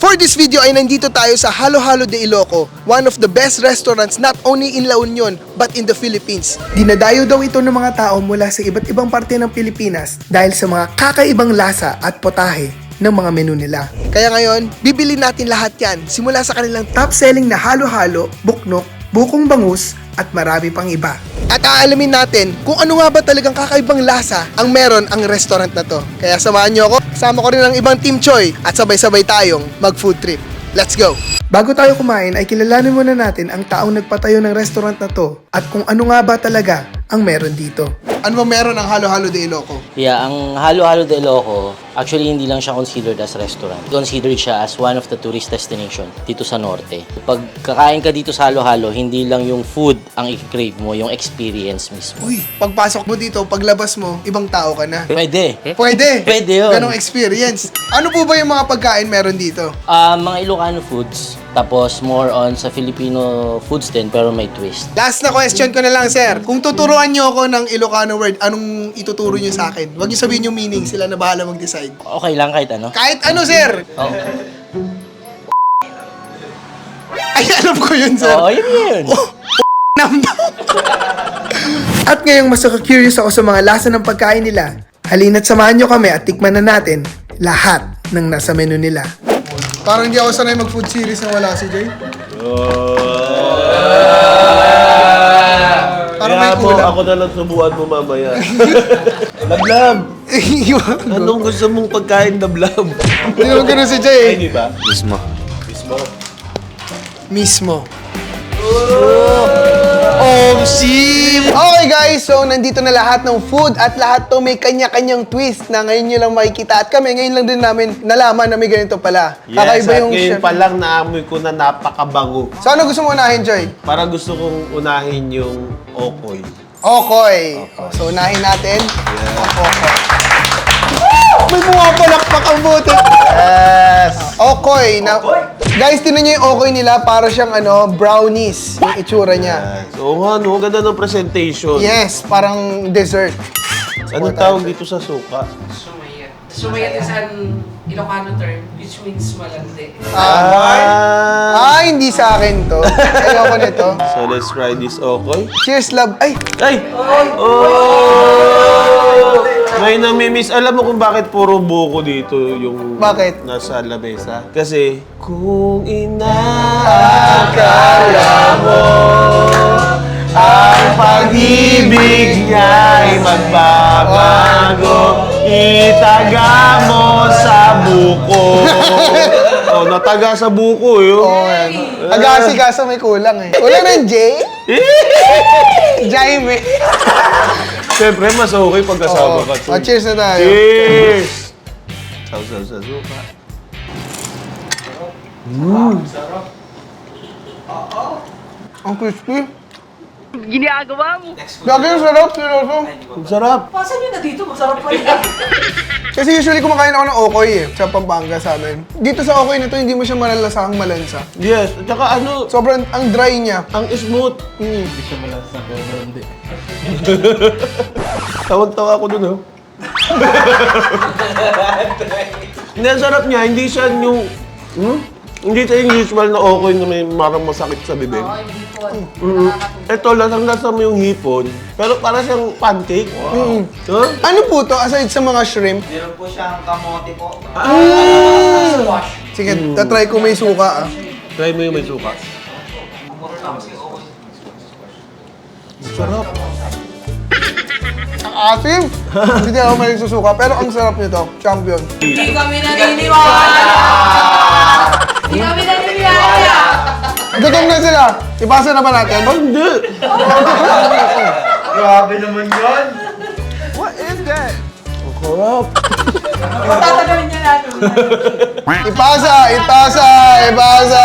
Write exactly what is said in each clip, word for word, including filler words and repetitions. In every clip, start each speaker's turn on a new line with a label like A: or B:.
A: For this video ay nandito tayo sa Halo Halo de Iloco, one of the best restaurants not only in La Union but in the Philippines. Dinadayo daw ito ng mga tao mula sa iba't ibang parte ng Pilipinas dahil sa mga kakaibang lasa at potahe ng mga menu nila. Kaya ngayon, bibili natin lahat yan simula sa kanilang top-selling na halo-halo, buknok, bukong bangus at marami pang iba. At aalamin natin kung ano nga ba talagang kakaibang lasa ang meron ang restaurant na to. Kaya samahan nyo ako, kasama ko rin ang ibang Team Choy at sabay-sabay tayong mag-food trip. Let's go! Bago tayo kumain ay kilalanin muna natin ang taong nagpatayo ng restaurant na to at kung ano nga ba talaga ang meron dito. Ano ba meron ang Halo Halo de Iloco?
B: Yeah, ang Halo Halo de Iloco, actually hindi lang siya considered as restaurant. Considered siya as one of the tourist destination dito sa Norte. Pag kakain ka dito sa Halo Halo, hindi lang yung food ang i-crave mo, yung experience mismo.
A: Uy, pagpasok mo dito, paglabas mo, ibang tao ka na.
B: Pwede.
A: Pwede.
B: Pwede yun.
A: Ganong experience. Ano po ba yung mga pagkain meron dito?
B: Ah, mga Ilocano foods, tapos more on sa Filipino foods din, pero may twist.
A: Last na question ko na lang, sir. Kung tuturuan nyo ako ng Ilocano word, anong ituturo nyo sa akin? Huwag nyo sabihin yung meaning, sila na bahala mag-decide.
B: Okay lang kahit ano.
A: Kahit ano, sir!
B: Oh.
A: Ay, alam ko yun, sir.
B: Oo, yun yun.
A: At ngayong mas curious ako sa mga lasa ng pagkain nila, halina't samahan nyo kami at tikman na natin lahat ng nasa menu nila. Parang hindi ako sanay mag-food series na wala si Jay. Parang may
C: Kaya mo,
A: kulang.
C: ako na lang subuan mo mamaya. Lablab! Anong gusto mong pagkain, lablab?
A: Hindi naman ganun si Jay.
C: Ay, di ba?
D: Mismo.
C: Mismo.
A: Mismo. Oh, sim! Okay guys, so nandito na lahat ng food at lahat to may kanya-kanyang twist na ngayon nyo lang makikita. At kami, ngayon lang din namin nalaman na may ganito pala.
C: Yes,
A: Kakaiba
C: at
A: yung
C: ngayon
A: chef.
C: pa lang naamoy ko na napakabango.
A: So ano gusto mo unahin, Joy?
C: Parang gusto kong unahin yung okoy.
A: Okoy. Oh, so unahin natin. Yeah. Okoy. May bumapalakpak ang bote.
C: Yes!
A: Okoy. Na, guys, tinan nyo yung okoy nila. Para siyang ano, brownies. Yung itsura niya.
C: Yes. Oo nga, no? Ganda ng presentation.
A: Yes, parang dessert.
C: Anong tawag dito sa suka?
E: Sumayat. Sumayat is an Ilocano term which means malandi.
C: Ah!
A: Ah, hindi sa akin to. Ayoko nito.
C: So, let's try this okoy.
A: Cheers, love. Ay,
C: Ay! Oh! May namimiss. Alam mo kung bakit puro buko dito yung
A: Bakit?
C: nasa lamesa? Kasi, kung inaakala mo ang pag-ibig niya'y magbabago, itaga mo sa buko. Oh, nataga sa buko yun.
A: oh, yan. Agasi-gasa may kulang eh. Kulang ng J? Jaime.
C: Siyempre, mas okay pag kasama
A: Oh,
C: ka.
A: oh, cheers na tayo.
C: Cheers! Sausaw sa suka.
A: Ang crispy. Ginagawa mo. Lagi yung sarap, seryoso.
C: Ang sarap.
E: Pasan nyo na dito, masarap pa yan.
A: Kasi usually kumakain ako ng okoy eh, sa Pampanga sa amin. Dito sa okoy na to, hindi mo siya malalasahang malansa.
C: Yes, at saka ano,
A: Sobrang, ang dry niya.
C: ang smooth.
A: Mm.
C: Tawag-tawa ako dun, oh. Hindi, ang sarap niya. Hindi siya yung... Hmm? Hindi siya yung usual na okoy na may marang masakit sa bibig.
E: Oo, hindi po.
C: Mm-hmm. Ito, lasang-lasa mo yung hipon, pero para siyang pancake. Wow. Huh?
A: Ano po to, aside sa mga shrimp?
F: Meron po siyang kamote po.
E: Squash.
A: Sige, tatry ko may suka ah.
C: Try mo yung may suka. Sarap.
A: Ang asim! Hindi ako maling susuka, pero ang sarap nito. Champion.
E: Hindi kami naniniwala! Hindi kami naniniwala!
A: Gutom na sila! Ipasa na ba natin?
C: Oh, hindi!
F: Grabe naman yun!
C: Ang sarap.
E: Patatagalin niya natin.
A: Ipasa! Ipasa! Ipasa!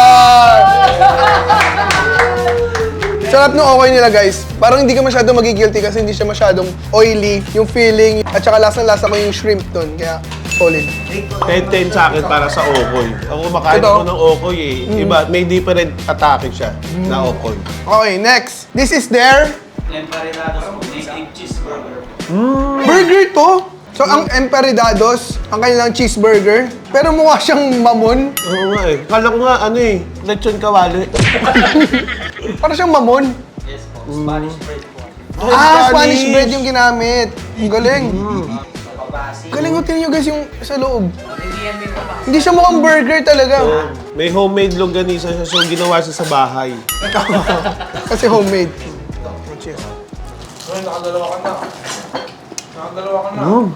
A: Sarap ng okay nila guys. Parang hindi ka masyadong magigilty kasi hindi siya masyadong oily. Yung feeling, at saka lasang-lasa ko yung shrimp dun. Kaya solid.
C: ten ten sa akin para sa okoy. Ako kumakain
A: Ito?
C: ako ng okoy eh. Iba, may different atake siya na okoy.
A: Okay, next. This is their
F: Emparinados po, native cheeseburger.
A: burger to. So, ang Emperidados, ang kanilang cheeseburger, pero mukha siyang mamon.
C: Oo nga eh. Kala ko nga ano eh, lechon kawali.
A: Parang siyang mamon.
F: Yes po. Spanish bread po.
C: Oh,
A: Ah, Spanish bread yung ginamit. Ang galing.
F: Papabasi.
A: Galing ko, tingnan nyo guys yung sa loob.
E: Hindi yan may kapasok.
A: Hindi siya mukhang burger talaga.
C: Oh, may homemade longganisa siya, so ginawa siya sa bahay.
A: Kasi homemade. Cheers.
F: Nakadalawa ka na. Nakadalawa ka na.
C: Mm.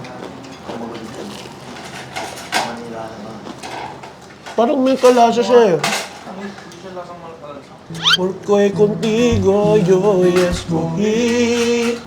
C: Parang may kalasa siya eh. Porque contigo yo escogí.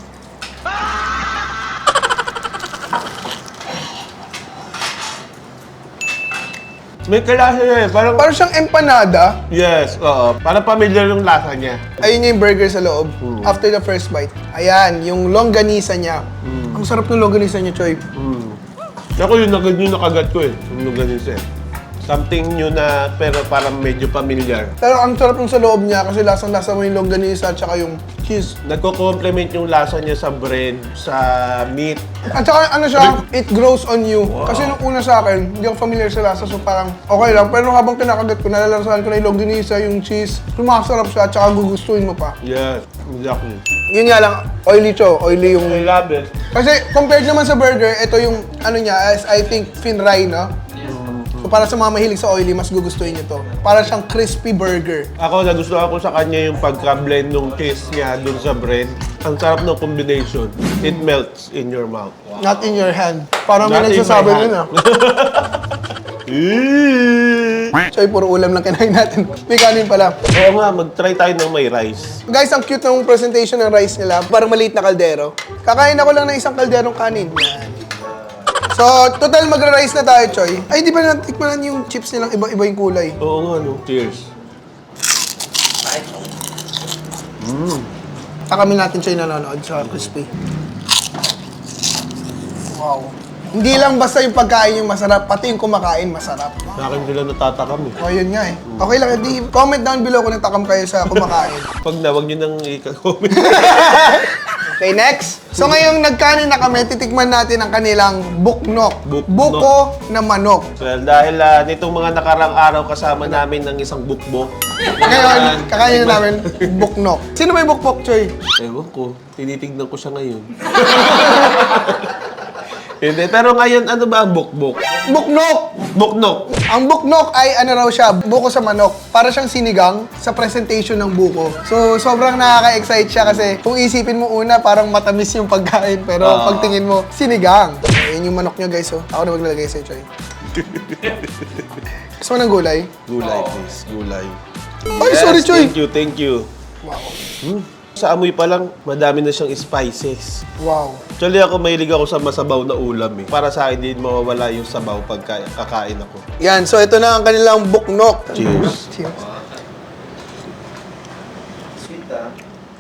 C: May kalasa siya eh. Parang,
A: Parang siyang empanada.
C: yes, oo. Parang familiar yung lasa niya.
A: Ayun yung burger sa loob. After the first bite. Ayan, yung longganisa niya. Ang sarap ng longganisa niya, Choy.
C: Mm. Ako yun, agad yung nakagat ko eh. Yung ganun siya. Something new na pero parang medyo familiar.
A: Pero ang sarap ng sa loob niya kasi lasang-lasa mo yung longganisa at saka yung cheese.
C: Nagko-complement yung lasa niya sa bread, sa meat.
A: At saka ano siya, it grows on you. Kasi nung una sa akin, hindi ako familiar sa lasa so parang okay lang. Pero habang kinakagat ko, nalalasahan ko na yung longganisa, yung cheese. Sumakasarap siya at saka gugustuhin mo pa.
C: Yes, exactly.
A: Yun nga lang, oily cho, oily yung...
C: I love it.
A: Kasi compared naman sa burger, ito yung ano niya, as I think, Finray, no? So para sa mga mahilig sa oily, mas gugustuhin niyo to. Para siyang crispy burger.
C: Ako, nagustuhan ko sa kanya yung pagka-blend ng cheese niya dun sa bread. Ang sarap ng combination. It melts in your mouth.
A: Not in your hand. Parang may
C: Not in
A: nagsasabi
C: my hand.
A: nun ah. Choy, puro ulam lang kinain natin. May kanin pala.
C: Oo nga, mag-try tayo ng may rice.
A: Guys, ang cute ng presentation ng rice nila. Parang maliit na kaldero. Kakain ako lang ng isang kalderong kanin. Yan. So, total magra-rice na tayo, Choy. Ay, di ba natikmanan yung chips nilang iba-iba yung kulay?
C: Oo nga, no? Cheers.
A: Takamin natin siya yung nanonood sa crispy. Wow. Hindi lang basta yung pagkain yung masarap, pati yung kumakain masarap.
C: Sa akin sila natatakam eh.
A: O, yun nga eh. Okay lang, di, comment down below kung natakam kayo sa kumakain.
C: Pag na, wag nyo nang i-comment.
A: Okay, next. So ngayong nagkanin na kami, titikman natin ang kanilang buknok.
C: Buknok.
A: Buko na manok.
C: Well, dahil ah, nitong mga nakarang araw kasama namin ng isang bukbok.
A: Ngayon, kakainin na namin buknok. Sino ba yung bukbok, Choy?
C: Ewan ko, tinitignan ko siya ngayon. Hindi, pero ngayon, ano ba ang bukbok?
A: Buknok!
C: Buknok!
A: Ang buknok ay ano raw siya, buko sa manok. Para siyang sinigang sa presentation ng buko. So, sobrang nakaka-excite siya kasi kung isipin mo una, parang matamis yung pagkain. Pero
C: Ah.
A: pagtingin mo, sinigang. Ayan yung manok niya, guys. Oh. Ako na maglalagay sa'yo, Choy. Gusto mo ng gulay?
C: Gulay, please. Gulay.
A: Ay, sorry, Choy.
C: Thank you, thank you.
A: Wow.
C: Hmm. Sa amoy pa lang, madami na siyang spices.
A: Wow.
C: Actually, ako mahilig ako sa masabaw na ulam eh. Para sa akin, din mawawala yung sabaw pag kakain ako.
A: Yan, so ito na ang kanilang buknok.
C: Cheers.
A: Cheers.
F: Sweet ah.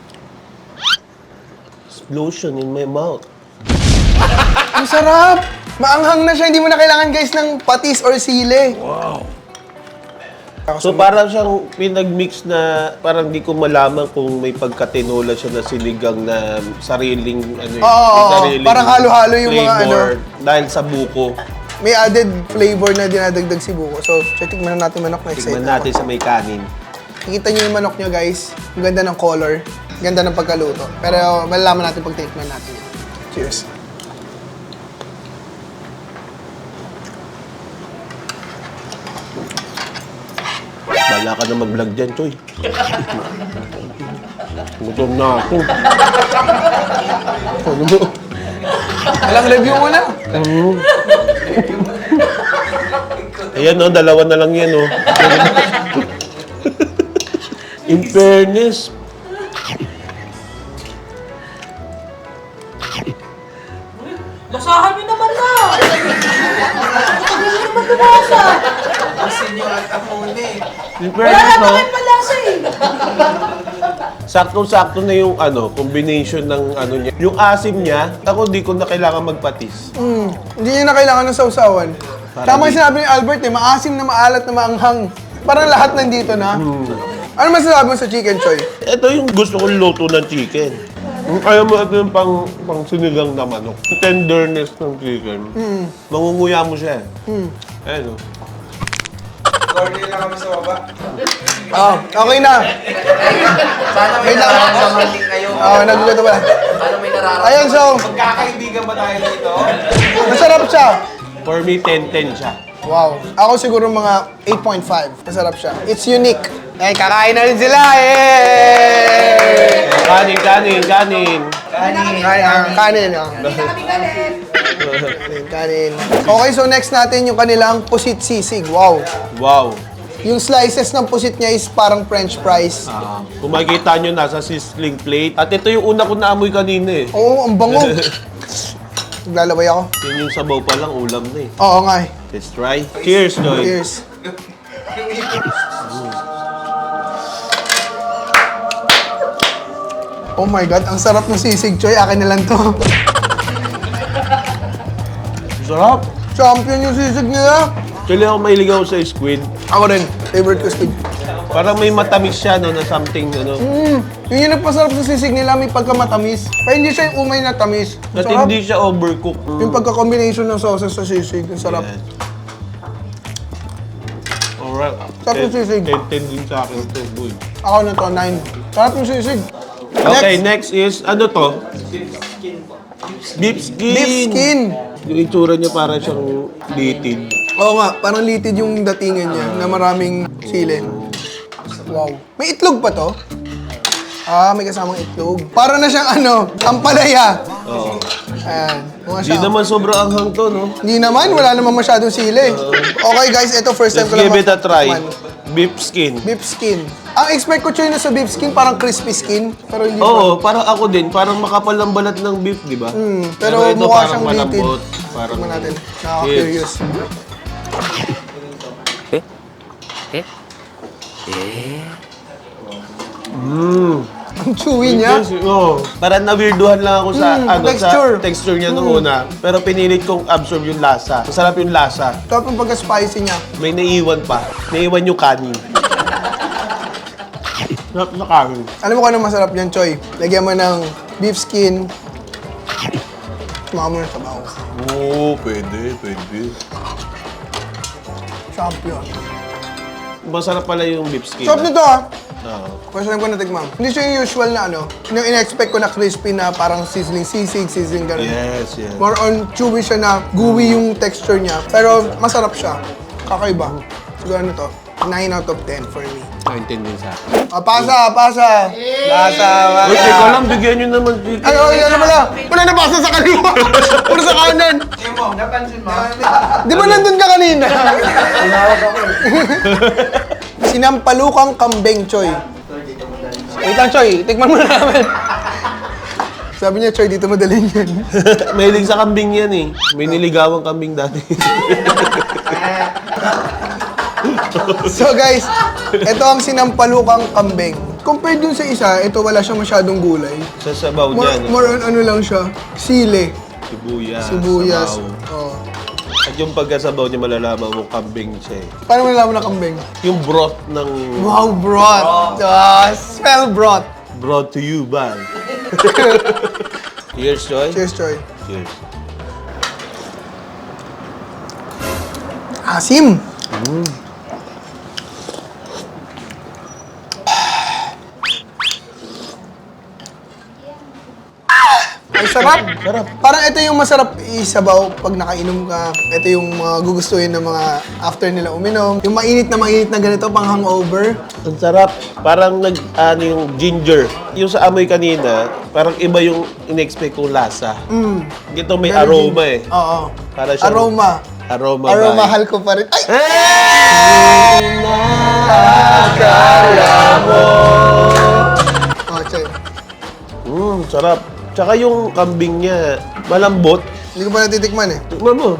C: Explosion in my mouth.
A: Ang sarap! Maanghang na siya, hindi mo na kailangan guys ng patis or sili.
C: Wow. So parang siyang pinag-mix na parang di ko malaman kung may pagkatinola siya na sinigang na sariling ano eh,
A: Oo, oo,
C: may
A: oo.
C: sariling
A: Parang halo-halo yung mga
C: flavor
A: ano.
C: dahil sa buko.
A: May added flavor na dinadagdag si buko. So, tikman na natin manok na excited
C: Tignan natin sa may kanin.
A: Kikita niyo yung manok niyo guys. Ang ganda ng color. Ang ganda ng pagkaluto. Pero malalaman natin pag tikman natin yan. Cheers.
C: Wala ka na mag-vlog dyan, Choy. Gutom na ako. Ano mo?
A: Walang review mo na.
C: Ayan no, dalawa na lang yan oh. In fairness,
E: Basahan niyo naman na! Hindi niyo naman lumasa!
F: Asin nyo at amone.
C: in
E: Wala
C: fairness
E: na
C: no,
E: bakit malasa eh!
C: sakto-sakto na yung ano, combination ng ano niya. Yung asim niya, ako di ko na kailangan magpatis.
A: Mm, hindi niya na kailangan ng sausawan. Tama yung sinabi ni Albert eh, maasim na maalat na maanghang. Parang lahat nandito na. Ano masasabi mo sa chicken, Choy?
C: Ito yung gusto kong luto ng chicken. Kung kaya mo ito yung pang, pang sinigang na manok. Yung tenderness ng chicken.
A: Mm.
C: Mangunguya mo siya eh.
A: Mm.
C: Ayun o.
F: Corny na kami sa baba.
A: Oh, okay na.
F: Sana may
A: Wait lang.
F: nararamdaman din kayo.
A: Oh, nagugutom pala.
F: Sana may nararamdaman.
A: Ayun, so,
F: Magkakaibigan ba tayo dito?
A: masarap siya.
C: For me, ten ten siya.
A: Wow. Ako siguro mga eight point five. Masarap siya. It's unique. Eh, kakain na rin sila. Eh!
C: Kanin, kanin, kanin.
A: Kanin. Kanin. Kanin. ah. Kanin. Kanin. Okay, so next natin yung kanilang pusit sisig. Wow.
C: Wow.
A: Yung slices ng pusit niya is parang french fries.
C: Ah, kung makikita nyo, nasa sizzling plate. At ito yung una ko naamoy kanina eh.
A: Oo, ang bango. Naglalaway ako.
C: Yun yung sabaw pa lang, ulam na eh.
A: Oo nga eh.
C: Let's try. Cheers, Joy.
A: Cheers. Oh my God, ang sarap ng sisig, Choy. Akin na lang to.
C: Sarap.
A: Champion yung sisig nila.
C: Actually, ako mahilig ako sa squid.
A: Ako rin. Favorite ko squid.
C: Parang may matamis siya, no, na something, ano.
A: Mm, yun yung nagpasarap sa sisig nila, may pagkamatamis. Pero hindi siya yung umay na tamis. Ang
C: At
A: sarap.
C: hindi siya overcooked.
A: Yung pagka-combination ng sauces sa sisig, ang sarap.
C: Yes. Alright.
A: Sarap yung sisig.
C: ten ten din sa akin ito, boy.
A: Ako na to, nine. Sarap yung sisig.
C: Okay, next is, ano to? Beef skin.
A: Beef skin.
C: Yung itsura niya parang siyang litid.
A: Oo nga, parang litid yung datingan niya na maraming sili. Wow. May itlog pa to? Ah, may kasamang itlog. Para na siyang ano, ampalaya.
C: Oo.
A: Ayan. Mukha
C: Hindi
A: siya.
C: naman sobrang anghang to, no?
A: Hindi naman, wala naman masyadong sili. Okay guys, ito first time
C: Let's
A: ko lang
C: give it a try.
A: matikman.
C: Beef skin.
A: Beef skin. Ang expect ko Choy na sa beef skin, parang crispy skin. Pero hindi
C: Oo, parang ako din. Parang makapal ang balat ng beef, di ba?
A: Hmm, pero
C: ito
A: mukha
C: parang
A: siyang litid.
C: malambot. Parang
A: Tingnan natin. Nakaka-curious.
C: Mm.
A: Ang chewy niya.
C: Yes, oo. Parang na-weirduhan lang ako sa,
A: Mm,
C: ano,
A: texture.
C: sa texture niya nung una. Pero pinilit kong absorb yung lasa. Masarap yung lasa.
A: Sarap yung pagka-spicy niya.
C: May naiwan pa. Naiwan yung kanin. Sarap na kanin.
A: Alam mo kung ano masarap yan, Choy? Lagyan mo ng beef skin. Sumaka mo ng sabaw.
C: Oo, pwede, pwede.
A: Champion.
C: Masarap pala yung beef skin.
A: Sarap nito ah.
C: Oo.
A: First time ko natikman. Hindi siya yung usual na ano. Yung in-expect ko na crispy na parang sizzling sisig, sizzling ganun.
C: Yes, yes.
A: More on chewy siya na gooey yung texture niya. Pero masarap siya. Kakaiba. Siguro ano to? nine out of ten for me.
C: nineteen din sa akin.
A: Ah, pasa, pasa. Pasa,
C: Uy, teka
A: pasa.
C: lang, bigyan nyo naman chicken.
A: Ay, ay, ano pala? Wala na pasa sa kaliwa. Puro sa kanan.
F: Tingnan mo, napansin mo?
A: Di ba nandun ka kanina? Sinampalukang kambing, Choy. Wait lang, Choy. Tikman mo na namin. Sabi niya, Choy, dito madalhin yan.
C: Mahilig sa kambing yan eh. May niligawang kambing dati.
A: So guys, ito ang sinampalukang kambing. Compared dun sa isa, ito wala siyang masyadong gulay.
C: Sa sabaw
A: More,
C: niya. no?
A: more on ano lang siya, sili,
C: Sibuyas.
A: sibuyas.
C: sabaw.
A: Oh.
C: At yung pagkasabaw niya malalaman mo kambing siya eh.
A: Paano mo nalaman na kambing?
C: Yung broth ng...
A: Wow, broth! Ah, smell broth!
C: Brought to you by... Cheers, Joy.
A: Cheers, Choy.
C: Cheers.
A: Asim! Ay, sarap!
C: Sarap.
A: Parang ito yung masarap isabaw pag nakainom ka. Ito yung mga gugustuhin ng mga after nila uminom. Yung mainit na mainit na ganito, pang hangover.
C: Ang sarap. Parang nag... Ano yung ginger. Yung sa amoy kanina, parang iba yung in-expect kong lasa.
A: Mm.
C: Ito may
A: Very
C: aroma
A: deep.
C: eh.
A: Oo.
C: Para siyang-
A: Aroma.
C: Aroma
A: Aroma,
C: ba?
A: mahal ko pa rin. Ay!
C: Hey! Nakakala mo.
A: Oh, Choy.
C: Mmm, sarap. Tsaka yung kambing niya, malambot.
A: Hindi ko pa natitikman eh.
C: Tignan mo.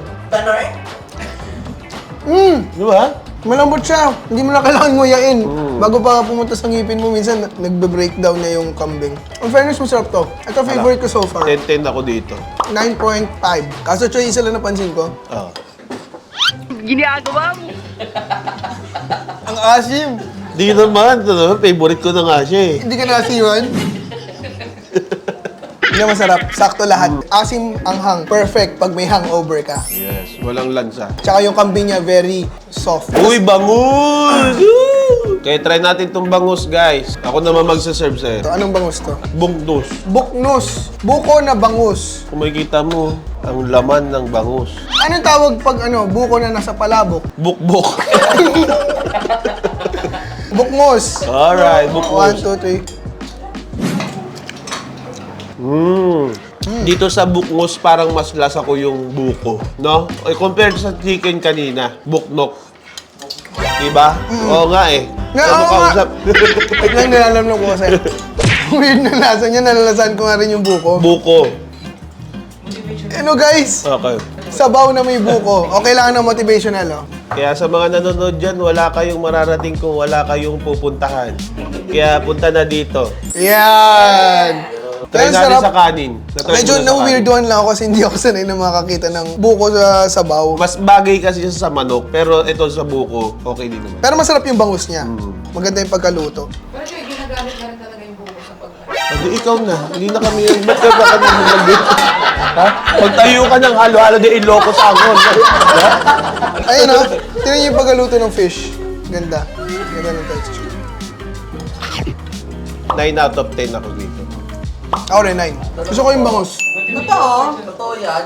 A: Mm!
C: Di ba?
A: Malambot siya. Hindi mo na kailangan nguyain.
C: Mm.
A: Bago pa pumunta sa ngipin mo, minsan na- nagbe-breakdown na yung kambing. In fairness, masarap to. Ito favorite ko so far.
C: ten ten ako dito.
A: nine point five. Kaso Choy, isa lang napansin ko.
C: Oh.
A: Ang asim.
C: Di naman, ano, favorite ko na nga siya eh.
A: Hindi ka nasiwan. Hindi masarap. Sakto lahat. Asim, anghang. Perfect pag may hangover ka.
C: Yes, walang lansa.
A: Tsaka yung kambing niya, very soft.
C: Uy, bangus! Woo! Kaya try natin tong bangus, guys. Ako naman magsaserve sa'yo.
A: So, anong bangus to?
C: Bungdos.
A: Buknus. Buko na bangus.
C: Kung makikita mo, ang laman ng bangus.
A: Anong tawag pag ano, buko na nasa palabok?
C: Bukbok.
A: Bukmos.
C: Alright,
A: One,
C: bukbok.
A: two, three.
C: Mm. Dito sa bukmos, parang mas lasa ko yung buko. No? Eh, compared sa chicken kanina, buknok. Diba? Oo nga eh.
A: Nga,
C: Ano
A: oo
C: ka
A: nga.
C: usap?
A: Wait lang, nilalamlam ko kasi. Weird na lasa niya, nalalasan ko nga rin yung buko.
C: Buko.
A: Ano guys?
C: Okay.
A: Sabaw na may buko. Okay lang ng motivational, oh.
C: Kaya sa mga nanonood dyan, wala kayong mararating kung wala kayong pupuntahan. Kaya punta na dito.
A: Yan!
C: Try
A: Kaya
C: natin
A: sarap.
C: sa kanin. Try
A: Medyo
C: muna sa
A: na-weirdoan lang ako kasi hindi ako sanay na makakita ng buko sa sabaw.
C: kanin. Mas bagay kasi siya sa manok, pero ito sa buko, okay din naman.
A: Pero masarap yung bangus niya.
C: Mm.
A: Maganda yung pagkaluto.
E: Pero siya, ginagamit na rin talaga yung buko sa pagkain.
C: Hindi, ikaw na. Hindi na kami yun. Ba't ka ba kami nag Ha? Pagtayo ka ng halo-halo di iloko sa agon. Ha?
A: Ayun oh, tingnan niyo yung pagkaluto ng fish. Ganda. Ganda ng texture.
C: nine out of ten ako dito.
A: Ako rin, nine. Gusto ko yung bangus.
F: Totoo? Totoo yan?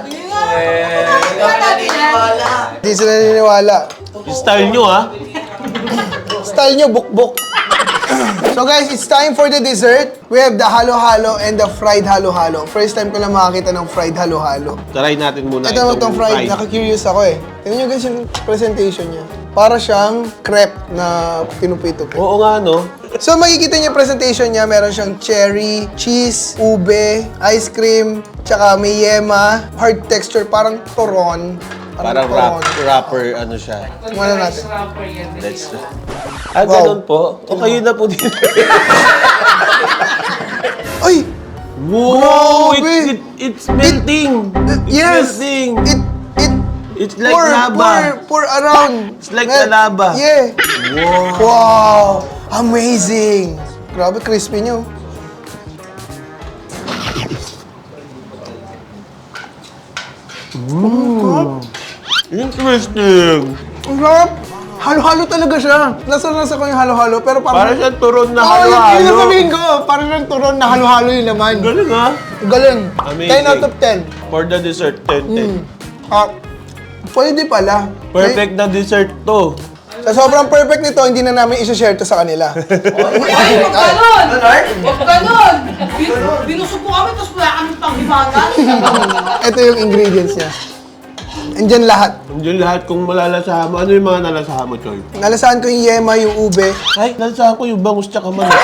A: Hindi sila naniniwala.
C: Yung style nyo, ha?
A: Style nyo, bukbok. So guys, it's time for the dessert. We have the halo-halo and the fried halo-halo. First time ko lang makakita ng fried halo-halo.
C: Try natin muna
A: Ito naman itong fried, nakaka-curious ako eh. Tingnan nyo guys yung presentation niya. Para siyang crepe na pinupito.
C: Oo nga, no?
A: So makikita niyo yung presentation niya, meron siyang cherry, cheese, ube, ice cream, tsaka may yema, hard texture, parang turon.
C: Parang wrap, wrapper, ano siya.
A: Tingnan natin.
E: Rice wrapper yan.
C: Let's... Ah,
A: Wow.
C: ganun po? O kayo na po dito.
A: Ay!
C: Wow!
A: Grabe!
C: It, it, it's melting! It's
A: Yes!
C: melting!
A: It, it,
C: It's like
A: pour,
C: lava.
A: pour, pour around.
C: It's like
A: Mel-
C: the lava.
A: Yeah.
C: Wow!
A: Wow! Amazing! Grabe, crispy niyo.
C: Interesting!
A: Ang sarap! Halo-halo talaga siya. Nasa-nasa ko yung halo-halo, pero parang...
C: Parang siyang turon na
A: Oo, yun- yun
C: halo-halo.
A: yung sabihin ko. Parang lang turon na halo-halo yung laman.
C: Galing, ha?
A: Galing.
C: Amazing.
A: ten out of ten.
C: For the dessert, ten ten.
A: Ah, pwede pala.
C: Perfect na dessert to.
A: Sa sobrang perfect nito, hindi na namin isa-share to sa kanila.
E: Ay, huwag ganon! Huwag ganon! Bin- Binusog ko kami, tapos wala kami panghimagan.
A: Ito yung ingredients niya. Andyan lahat.
C: Yung lahat kung malalasahan mo, ano yung mga nalasahan mo, Choy?
A: Nalasahan ko yung yema, yung ube.
C: Ay, nalasahan ko yung bangus tsaka manok.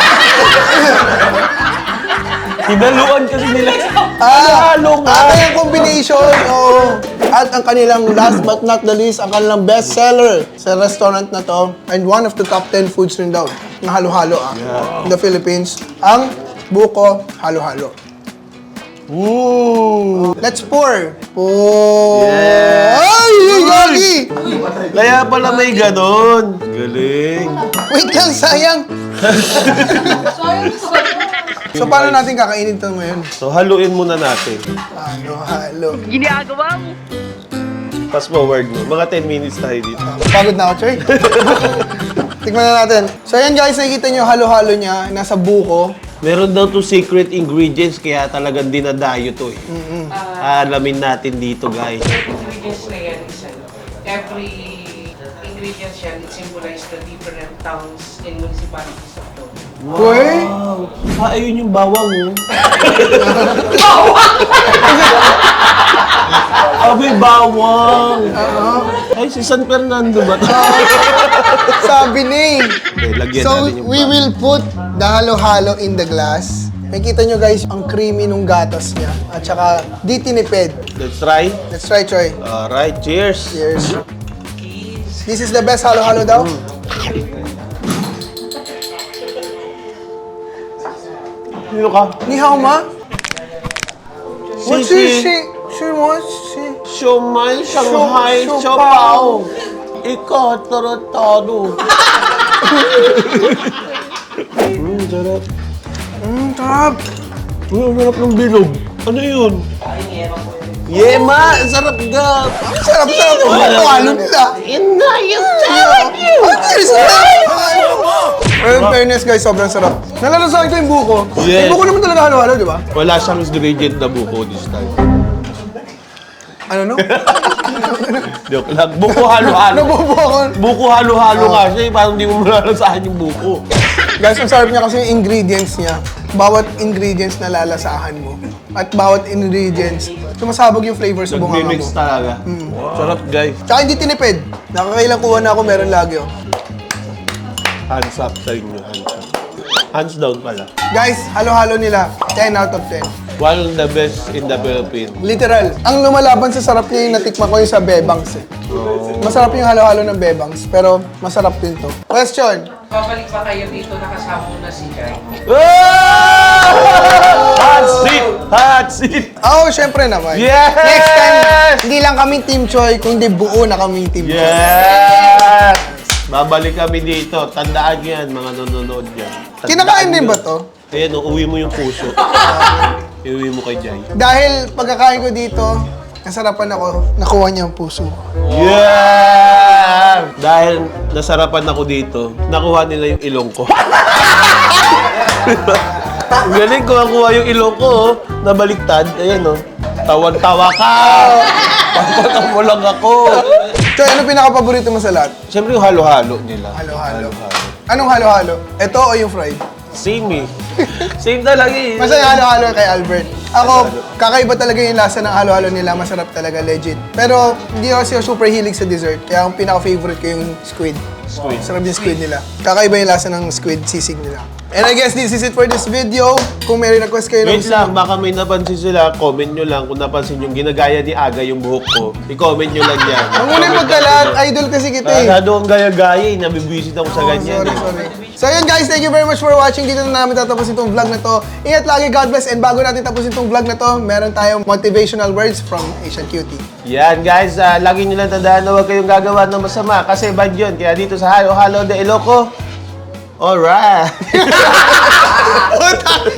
C: Hinaluan kasi nila.
A: Ah,
C: Halo nga.
A: ah, yung combination. Oo. At ang kanilang last but not the least, ang kanilang best seller sa restaurant na to. And one of the top ten foods rin daw. Na halo-halo ah. In the Philippines. Ang buko halo-halo. Ooh. Let's pour. Pour.
C: Yeah.
A: Ay, yung yagi!
C: Kaya pala may ganon. Galing.
A: Wait lang, sayang.
E: Sayang sa
A: So, paano natin kakainin ito ngayon?
C: So, haluin muna natin.
A: Halo-halo.
C: Fast forward mo. Mga ten minutes tayo dito.
A: Pagod na ako, Choy. Tikman na natin. So, ayan guys, nakikita nyo halo-halo niya. Nasa buko.
C: Meron daw to secret ingredients, kaya talagang dinadayo to eh. Alamin natin dito, guys.
E: ingredients na yan is ano, every ingredients yan, it symbolizes the different towns and municipalities of the
A: Uy!
C: Wow! Ah, ayun yung bawang, oh. Abi, bawang! Ay, si San Fernando ba to?
A: Sabi ni.
C: Okay, lagyan
A: So,
C: natin yung
A: we
C: bawang.
A: will put the halo-halo in the glass. Makikita nyo guys, ang creamy nung gatas niya. At saka, di tinipid.
C: Let's try.
A: Let's try, Choy.
C: Alright, cheers!
A: Cheers. This is the best halo-halo daw?
C: Sino ka?
A: Ni hao ma? What's
C: Sisi.
A: this? She, she wants, she...
C: Siomay, Shanghai,
A: Siu-
C: Siopao. Ikaw, tarantado. Mm, sarap.
A: Mm, sarap.
C: Uy, ang sarap ng bilog. Ano yun? Yema! Ang sarap ga!
A: Sarap, sarap yung halo nila.
C: Yan na! Yan sarap yun!
A: Ang sarap! Pero in fairness guys, sobrang sarap. Nalalasahan ko yung buko.
C: Yes.
A: Yung buko naman talaga halo-halo, di ba?
C: Wala siyang ingredient na buko this time.
A: Ano no?
C: Joke lang. Buko halo-halo.
A: Nabubo ako.
C: Buko halo-halo nga siya. eh. Parang hindi mo malalasahan yung buko.
A: Guys, ang sarap niya kasi yung ingredients niya. Bawat ingredients na lalasahan mo. At bawat ingredients, sumasabog yung flavor sa bunganga mo.
C: Nag-mix talaga. Sarap guys.
A: Tsaka hindi tinipid. Nakakailang kuha na ako, meron lagi oh.
C: Hands up sa inyo. Hands up. Hands down pala.
A: Guys, halo-halo nila. ten out of ten.
C: One of the best in the Philippines.
A: Literal. Ang lumalaban sa sarap niya yung natikma ko yung sa Bebangs eh. Masarap yung halo-halo ng Bebangs, pero masarap din to. Question.
E: Babalik ba kayo dito nakasama mo na si Jai?
C: Hot seat! Hot seat!
A: Oo, oh, syempre naman.
C: Yes!
A: Next time, hindi lang kami Team Choi, kundi buo na kami Team Choi.
C: Yes! Babalik kami dito. Tandaan nyo yan, mga nanonood yan. Tandaan
A: Kinakain din
C: nyo.
A: ba to?
C: Ayan, uwi mo yung puso. Iuwi mo kay Jai.
A: Dahil pagkakain ko dito, nasarapan ako, nakuha niya ang puso ko.
C: Yeah! Dahil nasarapan ako dito, nakuha nila yung ilong ko. Galing ko nakuha yung ilong ko, oh. Nabaliktad. Ayan, oh. Tawan-tawa ka! Papatang mo lang ako.
A: Choy, ano pinaka-paborito mo sa lahat?
C: Siyempre yung halo-halo nila.
A: Halo-halo. Anong halo-halo? Ito o yung fried?
C: Same eh. Same talaga eh.
A: Masaya halo-halo kay Albert. Ako, kakaiba talaga yung lasa ng halo-halo nila. Masarap talaga, legit. Pero hindi ako siya super hilig sa dessert. Kaya ang pinaka-favorite ko yung squid.
C: Squid.
A: Sarap yung squid nila. Kakaiba yung lasa ng squid sisig nila. And I guess this is it for this video. Kung may request kayo ng
C: Wait lang, baka may napansin sila, comment nyo lang kung napansin yung ginagaya ni Aga yung buhok ko. I-comment nyo lang yan.
A: Ang muna yung pagkalat, idol kasi kita eh.
C: Masyado ang gaya-gaya eh, nabibisit ako sa
A: Oh,
C: ganyan.
A: sorry,
C: eh.
A: sorry. So yun guys, thank you very much for watching. Dito na namin tatapusin itong vlog na to. Ingat lagi, God bless. And bago natin tapusin itong vlog na to, meron tayong motivational words from Asian Cutie.
C: Yan guys, uh, lagi nyo lang tandaan na huwag kayong gagawa ng masama kasi bad yun. Kaya dito sa Halo Halo de Iloco, alright!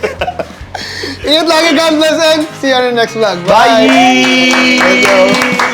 A: Ingat lagi, God bless, and see you on the next vlog.
C: Bye!
A: Thank you.